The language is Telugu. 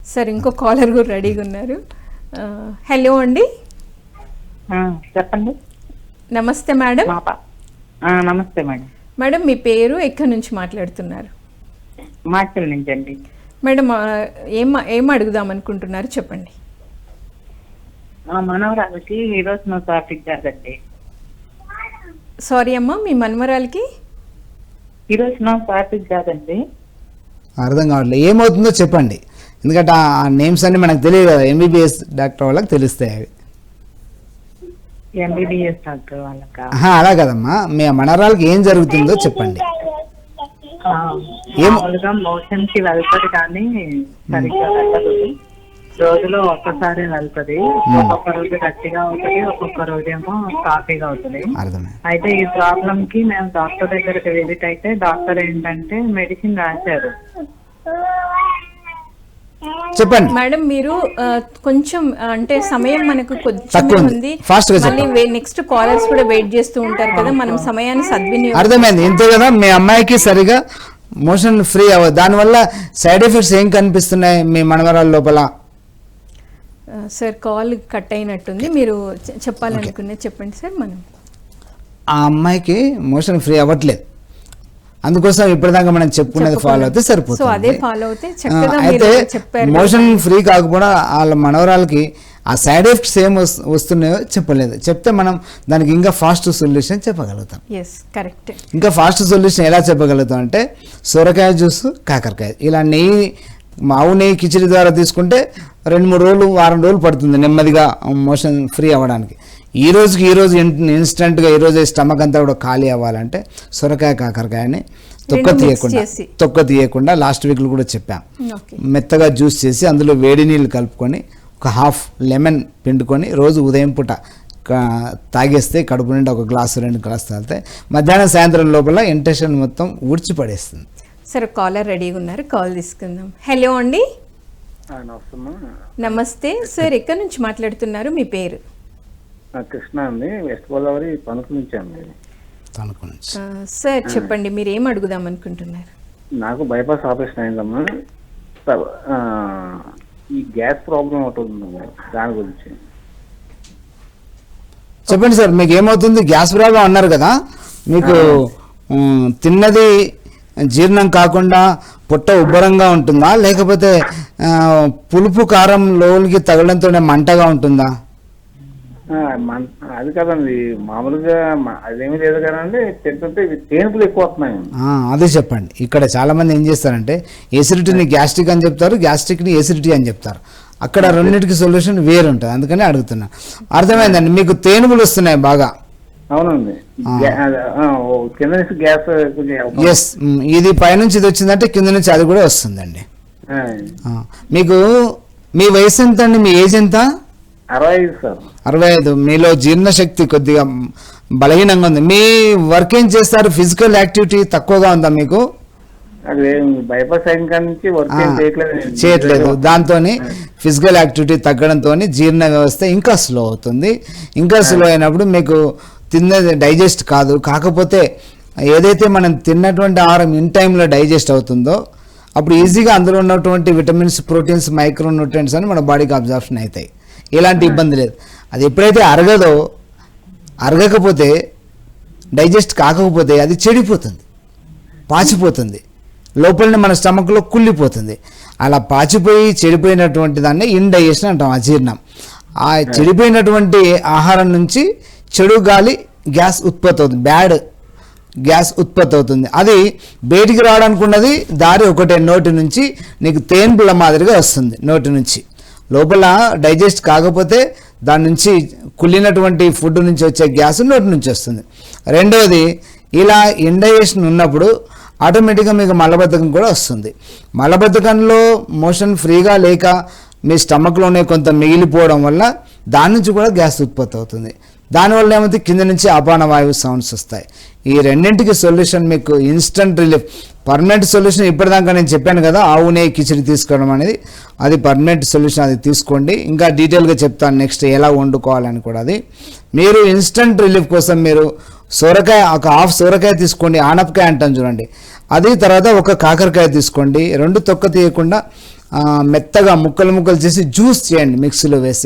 సార్ ఇంకో కాలర్ కూడా రెడీగా ఉన్నారు. హలో అండి, చెప్పండి. నమస్తే మేడం. నమస్తే మేడం. మేడం మీ పేరు, ఎక్కడి నుంచి మాట్లాడుతున్నారు? మాచల్ నుంచి అండి. మేడం ఏం అడుగుదాం అనుకుంటున్నారు చెప్పండి. మనవరాలకి ఈరోజు నా టాపిక్ కాదండి. సారీ అమ్మా, మీ మనవరాలకి ఈరోజు నా టాపిక్ కాదండి. అర్థం కావట్లేదు, ఏమవుతుందో చెప్పండి. ఎందుకంటే ఆ నేమ్స్ అన్ని మనకు తెలియదు కదా, ఎంబీబీఎస్ డాక్టర్ వాళ్ళకి తెలుస్తాయి అవి. ఎంబీబీఎస్ డాక్టర్ వాళ్ళకా? అలా కదమ్మా, మీ మనవరాలకి ఏం జరుగుతుందో చెప్పండి. మామూలుగా మోషన్ కి వెళ్తుంది కానీ సరిగ్గా వెళ్ళదు. రోజులో ఒక్కసారి వెళ్తుంది. ఒక్కొక్క రోజు గట్టిగా అవుతుంది, ఒక్కొక్క రోజు ఏమో కాఫీగా అవుతుంది. అయితే ఈ ప్రాబ్లం కి మేము డాక్టర్ దగ్గరికి విజిట్ అయితే డాక్టర్ ఏంటంటే మెడిసిన్ రాశారు. చెప్పండి మేడం. మీరు కొంచెం అంటే సమయం మనకు కొంచెం ఉంది, మళ్ళీ నెక్స్ట్ కాలర్స్ కూడా వెయిట్ చేస్తూ ఉంటారు కదా, మనం సమయాన్ని సద్వినియోగం. అర్థమైంది, ఇంతే కదా. మీ అమ్మాయికి సరిగా మోషన్ ఫ్రీ అవ్వదు, దానివల్ల సైడ్ ఎఫెక్ట్స్ ఏం కనిపిస్తున్నాయి మీ మనవరాల లోపల? సార్ కాల్ కట్ అయినట్టుంది, మీరు చెప్పాలనుకునేది చెప్పండి సార్. మనం ఆ అమ్మాయికి మోషన్ ఫ్రీ అవ్వట్లేదు, అందుకోసం ఇప్పటిదాకా మనం చెప్పుకునేది ఫాలో అయితే సరిపోతుంది. అయితే మోషన్ ఫ్రీ కాకపోవడం వాళ్ళ మనవరాలకి ఆ సైడ్ ఎఫెక్ట్స్ ఏం వస్తున్నాయో చెప్పలేదు. చెప్తే మనం దానికి ఇంకా ఫాస్ట్ సొల్యూషన్ చెప్పగలుగుతాం. ఇంకా ఫాస్ట్ సొల్యూషన్ ఎలా చెప్పగలుగుతాం అంటే సొరకాయ జ్యూస్, కాకరకాయ, ఇలా నెయ్యి, ఆవు నెయ్యి కిచిడి ద్వారా తీసుకుంటే 2-3 రోజులు, వారం రోజులు పడుతుంది నెమ్మదిగా మోషన్ ఫ్రీ అవ్వడానికి. ఈ రోజు ఇన్స్టెంట్గా ఈరోజు స్టమక్ అంతా కూడా ఖాళీ అవ్వాలంటే సొరకాయ, కాకరకాయని తొక్క తీయకుండా లాస్ట్ వీక్లో కూడా చెప్పాం, మెత్తగా జ్యూస్ చేసి అందులో వేడి నీళ్ళు కలుపుకొని ఒక హాఫ్ లెమన్ పిండుకొని రోజు ఉదయం పూట తాగేస్తే కడుపు నుండి 1 గ్లాసు 2 గ్లాసు తాగితే మధ్యాహ్నం సాయంత్రం లోపల ఇంటెన్షన్ మొత్తం ఊడ్చిపడేస్తుంది. సరే, కాలర్ రెడీగా ఉన్నారు, కాల్ తీసుకుందాం. హలో అండి. నమస్తే సార్, ఎక్కడి నుంచి మాట్లాడుతున్నారు? మీ పేరు? కృష్ణ అండి, వెస్ట్ గోదావరి తణుకు నుంచి అండి. తణుకు నుంచి. సార్ చెప్పండి, మీరు ఏం అడుగుదాం అనుకుంటున్నారు? నాకు బైపాస్ ఆపరేషన్ అయిందమ్మా. ఈ గ్యాస్ ప్రాబ్లం ఒకటి ఉందమ్మా, దాని గురించి చెప్పండి సార్. మీకు ఏమవుతుంది? గ్యాస్ ప్రాబ్లం అన్నారు కదా, మీకు తిన్నది జీర్ణం కాకుండా పొట్ట ఉబ్బరంగా ఉంటుందా, లేకపోతే పులుపు కారం లోనికి తగలడంతోనే మంటగా ఉంటుందా? అది కదండి, మామూలుగా అదేమీ లేదు కదండి, తింటుంటే తేనుపులు ఎక్కువ వస్తున్నాయి. అదే చెప్పండి. ఇక్కడ చాలా మంది ఏం చేస్తారంటే ఎసిడిటీని గ్యాస్ట్రిక్ అని చెప్తారు, గ్యాస్ట్రిక్ని ఎసిడిటీ అని చెప్తారు. అక్కడ రెండింటికి సొల్యూషన్ వేరు ఉంటుంది, అందుకని అడుగుతున్నా. అర్థమైందండి, మీకు తేనుపులు వస్తున్నాయి బాగా? అవునండి, కింద నుంచి గ్యాస్. ఎస్, ఇది పైనుంచి ఇది వచ్చిందంటే కింద నుంచి అది కూడా వస్తుందండి. మీకు మీ వయసు ఎంత అండి? మీ ఏజ్ ఎంత? 65 సార్. 65. మీలో జీర్ణశక్తి కొద్దిగా బలహీనంగా ఉంది. మీ వర్క్ ఏం చేస్తారు? ఫిజికల్ యాక్టివిటీ తక్కువగా ఉందా మీకు? బైపాస్ నుంచి వర్క్ చేయట్లేదు, దాంతో ఫిజికల్ యాక్టివిటీ తగ్గడంతో జీర్ణ వ్యవస్థ ఇంకా స్లో అవుతుంది. ఇంకా స్లో అయినప్పుడు మీకు తిన్నది డైజెస్ట్ కాదు. కాకపోతే ఏదైతే మనం తిన్నటువంటి ఆహారం ఇన్ టైంలో డైజెస్ట్ అవుతుందో అప్పుడు ఈజీగా అందులో ఉన్నటువంటి విటమిన్స్, ప్రోటీన్స్, మైక్రో న్యూట్రియంట్స్ అని మన బాడీకి అబ్జార్ప్షన్ అవుతాయి. ఎలాంటి ఇబ్బంది లేదు. అది ఎప్పుడైతే అరగకపోతే డైజెస్ట్ కాకపోతే అది చెడిపోతుంది, పాచిపోతుంది, లోపలనే మన స్టమక్లో కుళ్ళిపోతుంది. అలా పాచిపోయి చెడిపోయినటువంటి దాన్ని ఇండైజెషన్ అంటాం, అజీర్ణం. ఆ చెడిపోయినటువంటి ఆహారం నుంచి చెడు గాలి, గ్యాస్ ఉత్పత్తి అవుతుంది, బ్యాడ్ గ్యాస్ ఉత్పత్తి అవుతుంది. అది బయటికి రావడానికి ఉన్నది దారి ఒకటే, నోటి నుంచి నీకు తేన్పుల మాదిరిగా వస్తుంది. నోటి నుంచి లోపల డైజెస్ట్ కాకపోతే దాని నుంచి కుళ్ళినటువంటి ఫుడ్ నుంచి వచ్చే గ్యాస్ నోటి నుంచి వస్తుంది. రెండవది, ఇలా ఇండైజెషన్ ఉన్నప్పుడు ఆటోమేటిక్గా మీకు మలబద్ధకం కూడా వస్తుంది. మలబద్ధకంలో మోషన్ ఫ్రీగా లేక మీ స్టమక్లోనే కొంత మిగిలిపోవడం వల్ల దాని నుంచి కూడా గ్యాస్ ఉత్పత్తి అవుతుంది. దానివల్ల ఏమైతే కింద నుంచి అపాన వాయువు సౌండ్స్ వస్తాయి. ఈ రెండింటికి సొల్యూషన్ మీకు ఇన్స్టంట్ రిలీఫ్, పర్మనెంట్ సొల్యూషన్. ఇప్పటిదాకా నేను చెప్పాను కదా, ఆవు నెయ్యి కిచిడి తీసుకోవడం అనేది, అది పర్మనెంట్ సొల్యూషన్. అది తీసుకోండి. ఇంకా డీటెయిల్గా చెప్తాను నెక్స్ట్ ఎలా వండుకోవాలని కూడా. అది మీరు ఇన్స్టంట్ రిలీఫ్ కోసం మీరు సొరకాయ, ఒక హాఫ్ సొరకాయ తీసుకోండి, ఆనపకాయ అంటాం చూడండి, అది. తర్వాత ఒక కాకరకాయ తీసుకోండి, 2 తొక్క తీయకుండా మెత్తగా ముక్కలు చేసి జ్యూస్ చేయండి మిక్సీలో వేసి.